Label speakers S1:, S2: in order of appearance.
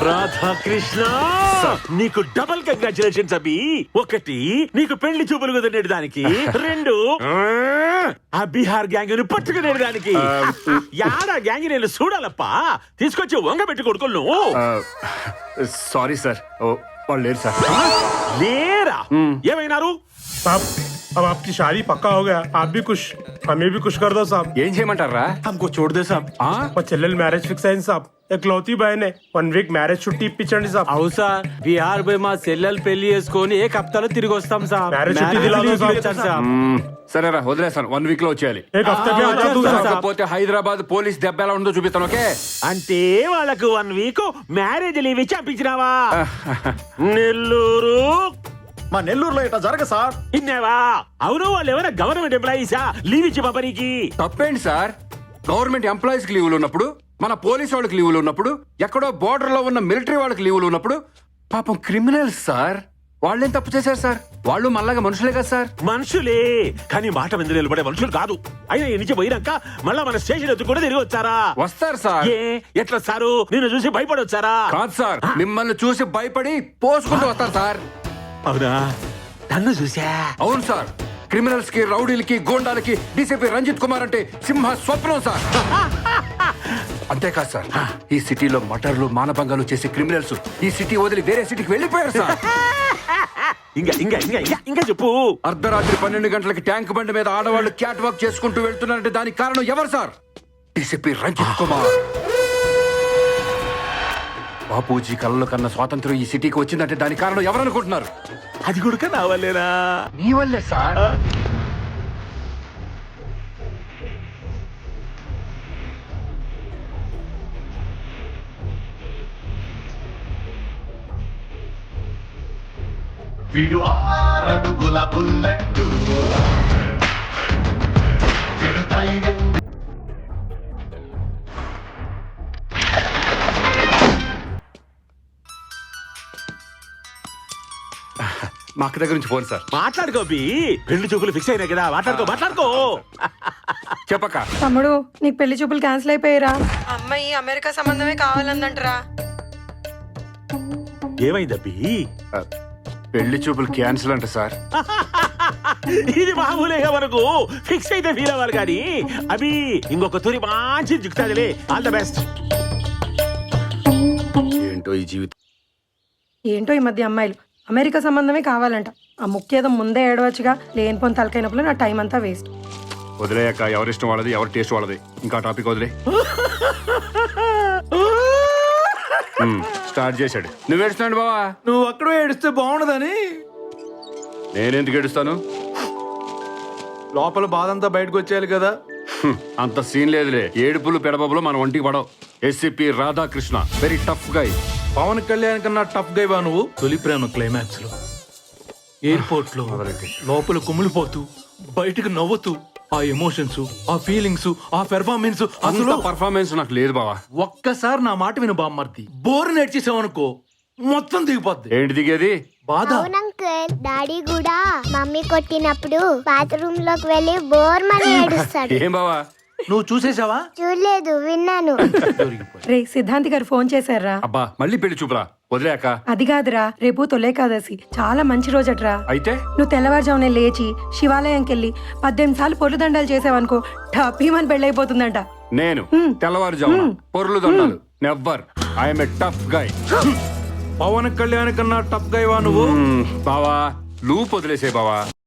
S1: రాధాకృష్ణ నీకు double congratulations అభి. ఒకటి నీకు పెళ్లి చూపులు కుదిరేడు దానికి, రెండు ఆ బీహార్ గ్యాంగ్ ను పట్టుకునేడు దానికి. యాడా గ్యాంగ్ నేను చూడాలప్పా, తీసుకొచ్చి వంగ పెట్టి కొడుకులు.
S2: సారీ సార్, వాళ్ళు లేరు సార్.
S1: లేరా? ఏమైనారు?
S3: साहब अब आपकी शादी पक्का हो गया, आप भी कुछ हमें भी कुछ कर दो साहब.
S2: ఏం చేయమంటారా?
S3: हमको छोड़ दे साहब. और చెల్లెలు మ్యారేజ్ ఫిక్స్ అయింది సాబ్. ఎక్లౌతి బయనే 1 వీక్ మ్యారేజ్ చుట్టి ఇప్పించండి సాబ్.
S4: అవు సార్, బీహార్ పోయి మా చెల్లెలు పెళ్లి చేసుకొని ఏ హప్తాలో తిరిగి వస్తాం సార్.
S3: మ్యారేజ్ చుట్టి దిలాదో సాబ్.
S2: సరేరా, వదిలేస్తాను. 1 వీక్ లో వచ్చేయాలి.
S3: एक हफ्ते में आ जा तू साहब.
S2: కాకపోతే హైదరాబాద్ పోలీస్ దెబ్బ ఎలా ఉందో చూపిస్తాను. ఓకే?
S1: అంటే వాళ్ళకు 1 వీక్ మ్యారేజ్ లీవ్ ఇచ్చి పంపించినావా? నెల్లూరు
S5: మా నెల్లూరులో ఇట్లా జరగ సార్.
S1: ఇన్నావా? అవును, వాళ్ళు ఎవరైనా గవర్నమెంట్ ఎంప్లాయీసా లీవ్ ఇచ్చి పంపనీకి?
S2: తప్పేంటి సార్? గవర్నమెంట్ ఎంప్లాయీస్ కి లీవులు ఉన్నప్పుడు, మన పోలీస్ వాళ్ళకి లీవులు ఉన్నప్పుడు, ఎక్కడో బోర్డర్ లో ఉన్న మిలిటరీ వాళ్ళకి లీవులు ఉన్నప్పుడు, పాపం క్రిమినల్స్ సార్, వాళ్ళేం తప్పు చేశారు సార్? వాళ్ళు మళ్ళాగా మనుషులే కదా సార్.
S1: మనుషులే, కానీ మాట మీద నిలబడే మనుషులు కాదు. అయినా ఈ నుంచి పోయినాక మళ్ళా మన స్టేషన్ ఎత్తు కూడా తిరిగి వచ్చారా?
S2: వస్తారు సార్.
S1: ఏ ఎట్లా సారు? నిన్ను చూసి భయపడొచ్చారా?
S2: కాదు సార్, మిమ్మల్ని చూసి భయపడి పోసుకుంటూ వస్తారు సార్.
S1: అవునా? నన్ను చూసా?
S2: అవును సార్. క్రిమినల్స్ కి, రౌడీలకి, గోండాలకి డీసీపీ రంజిత్ కుమార్ అంటే సింహ స్వప్నం సార్. అంతేకాదు సార్, ఈ సిటీలో మటర్లు, మానభంగాలు చేసే క్రిమినల్స్ ఈ సిటీ వదిలి వేరే సిటీకి వెళ్ళిపోయారు సార్.
S1: ఇంకా ఇంకా ఇంకా ఇంకా చెప్పు.
S2: అర్ధరాత్రి 12 గంటలకి ట్యాంక్ బండి మీద ఆడవాళ్ళు క్యాట్ వాక్ చేసుకుంటూ వెళ్తున్నారంటే దానికి కారణం ఎవరు సార్? డీసీపీ రంజిత్ కుమార్. బాపూజీ కళ్ళలో కన్నా స్వాతంత్రం ఈ సిటీకి వచ్చిందంటే దానికి కారణం ఎవరనుకుంటున్నారు?
S1: అది కూడా నా వల్లేనా?
S2: నీ వల్లే సార్.
S6: వీడు 6 అడుగుల బుల్లెట్టు. వీడు టైగర్.
S2: మా అక్క దగ్గర నుంచి ఫోన్ సార్.
S1: మాట్లాడుకో బి. పెళ్లి చూపులు ఫిక్స్ అయినాయి కదా, మాట్లాడుకో.
S2: చెప్పక్క.
S7: తమ్ముడు, నీకు పెళ్లి చూపులు క్యాన్సిల్ అయిపోయారా? అమ్మాయి అమెరికా సంబంధమే కావాలందంటరా.
S1: ఏమైందబ్బి?
S2: పెళ్లి చూపులు క్యాన్సిల్ అంట సార్.
S1: ఇది మామూలేగా మనకు. ఫిక్స్ అయితే ఫీల్ అవ్వాలి కానీ అవి ఇంకొక తూరి మంచి జిక్కుతాదిలే. All the best.
S2: ఏంటో ఈ జీవితం.
S7: ఏంటో ఈ మధ్య అమ్మాయిలు అమెరికా సంబంధమే కావాలంట. ఆ ముఖ్యేదో ముందే ఏడవచ్చుగా. లేనిపోని తలకైనప్పుడు నా టైం అంతా వేస్ట్.
S2: వదిలేయక్క, ఎవరిష్టం వాళ్ళది, ఎవరి టేస్ట్ వాళ్ళది. ఇంకా టాపిక్ వదిలే. స్టార్ట్ చేశాడు. నువ్వు ఏడుస్తున్నాడు బావా?
S5: నువ్వు అక్కడ ఏడిస్తే బాగుండదని.
S2: నేనెందుకు ఏడుస్తాను?
S5: లోపల బాధ అంతా బయటకు వచ్చేయాలి కదా.
S2: అంత సీన్ లేదులే. ఏడుపులు పెడబబులు మన ఒంటికి పడవు. SCP Radhakrishna very tough guy.
S5: Pawan Kalyan కన్నా టఫ్ గైవా నువ్వు? తొలి ప్రేమ క్లైమాక్స్ లో ఎయిర్పోర్ట్ లో లోపల కుమిలిపోతూ బయటకు నవ్వుతూ ఆ ఎమోషన్స్, ఆ ఫీలింగ్స్, ఆ పెర్ఫార్మెన్స్. అసలు
S2: పర్ఫార్మెన్స్ నాకు లేదు బావా.
S5: ఒక్కసారి నా మాట విను బామ్మర్ది. బోర్ నేర్చేసావనుకో మొత్తం దిగిపోద్ది.
S2: ఏంటి దిగేది?
S5: బాధ.
S8: అవునంకల్, డాడీ కూడా మమ్మీ కొట్టినప్పుడు బాత్రూమ్ లోకి వెళ్ళి బోర్ మని ఏడుస్తాడు.
S2: ఏం బావా?
S5: నువ్వు చూసేసావా?
S8: చూడలేదు, విన్నాను.
S7: రే, సిద్ధాంతి గారు ఫోన్ చేశారా?
S2: అబ్బా, మళ్ళీ పెళ్లి చూపురా? వదిలేక.
S7: అది కాదురా, రేపు తొలేకాదశి, చాలా మంచి రోజట్రా.
S2: అయితే
S7: నువ్వు తెల్లవారుజామునే లేచి శివాలయంకి వెళ్ళి 18 సార్లు పొర్లు దండాలు చేసావనుకో, టపీమని పెళ్ళైపోతుందంట.
S2: నేను తెల్లవారుజామున పొర్లు దండాలు? Never. I'm a tough guy.
S5: Pawan Kalyan కన్నా టఫ్ గైవా నువ్వు?
S2: బావా, లూప్ వదిలేసే బావా.